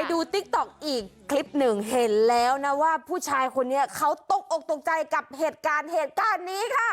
ดูติ๊กต็อกอีกคลิปหนึ่งเห็นแล้วนะว่าผู้ชายคนนี้เขาตกอกตกใจกับเหตุการณ์นี้ค่ะ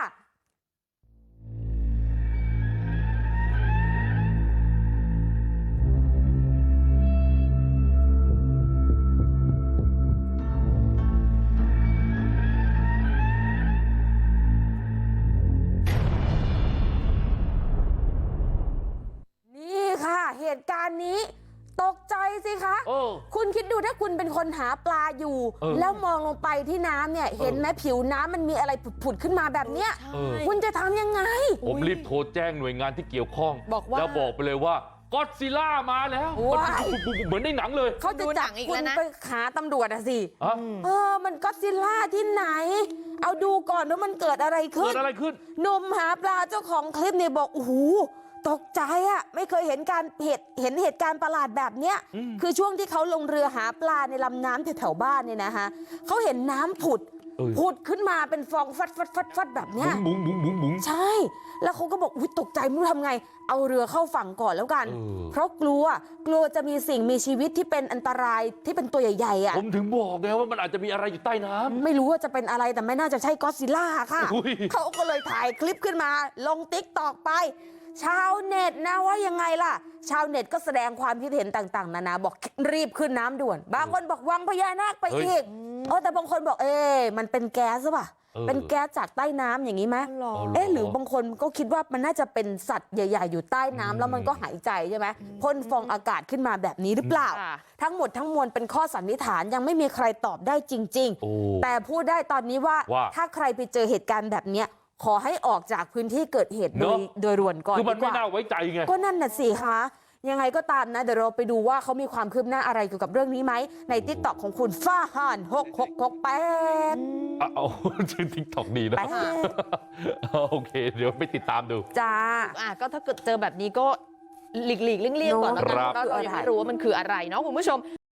นี่ค่ะเหตุการณ์นี้ตกใจสิคะคุณคิดดูถ้าคุณเป็นคนหาปลาอยู่แล้วมองลงไปที่น้ำเนี่ยเห็นไหมผิวน้ำมันมีอะไรผุดขึ้นมาแบบเนี้ยคุณจะทำยังไงผมรีบโทรแจ้งหน่วยงานที่เกี่ยวข้องแล้วบอกไปเลยว่าก็อดซิลล่ามาแล้วเหมือนในหนังเลยเขาจะจับคุณไปหาตำรวจอะสิมันก็อดซิลล่าที่ไหนเอาดูก่อนว่ามันเกิดอะไรขึ้นหนุ่มหาปลาเจ้าของคลิปเนี่ยบอกโอ้โหตกใจอ่ะไม่เคยเห็นเหตุการณ์ประหลาดแบบเนี้ยคือช่วงที่เขาลงเรือหาปลาในลำน้ำแถวๆบ้านเนี่ยนะคะเขาเห็นน้ำผุดขึ้นมาเป็นฟองฟัดแบบเนี้ยบุ๋งใช่แล้วเขาก็บอกอุ๊ยตกใจไม่รู้ทำไงเอาเรือเข้าฝั่งก่อนแล้วกันเพราะกลัวจะมีสิ่งมีชีวิตที่เป็นอันตรายที่เป็นตัวใหญ่ๆอ่ะผมถึงบอกไงว่ามันอาจจะมีอะไรอยู่ใต้น้ำไม่รู้ว่าจะเป็นอะไรแต่ไม่น่าจะใช่ก็อดซิลล่าค่ะเขาก็เลยถ่ายคลิปขึ้นมาลงติ๊กต็อกไปชาวเน็ตนะว่ายังไงล่ะชาวเน็ตก็แสดงความคิดเห็นต่างๆนานาบอกรีบขึ้นน้ำด่วนบางคนบอกวังพญานาคไปอีกแต่บางคนบอกมันเป็นแก๊สหรือเปล่าเป็นแก๊สจากใต้น้ำอย่างนี้ไหมหรือบางคนก็คิดว่ามันน่าจะเป็นสัตว์ใหญ่ๆอยู่ใต้น้ำแล้วมันก็หายใจใช่ไหมพ่นฟองอากาศขึ้นมาแบบนี้หรือเปล่าทั้งหมดทั้งมวลเป็นข้อสันนิษฐานยังไม่มีใครตอบได้จริงๆแต่พูดได้ตอนนี้ว่าถ้าใครไปเจอเหตุการณ์แบบเนี้ยขอให้ออกจากพื้นที่เกิดเหตุโดยด่วนก่อนคือมันไม่น่าไว้ใจไงก็นั่นน่ะสิคะยังไงก็ตามนะเดี๋ยวเราไปดูว่าเขามีความคืบหน้าอะไรเกี่ยวกับเรื่องนี้ไหมในติ๊กต็อกของคุณฟ้าห่าน6668 เอาชื่อติ๊กต็อกดีนะโอเคเดี๋ยวไปติดตามดูจ้าก็ถ้าเกิดเจอแบบนี้ก็หลีกเลี่ยงก่อนแล้วกันเพราะเรายังไม่รู้ว่ามันคืออะไรเนาะคุณผู้ชม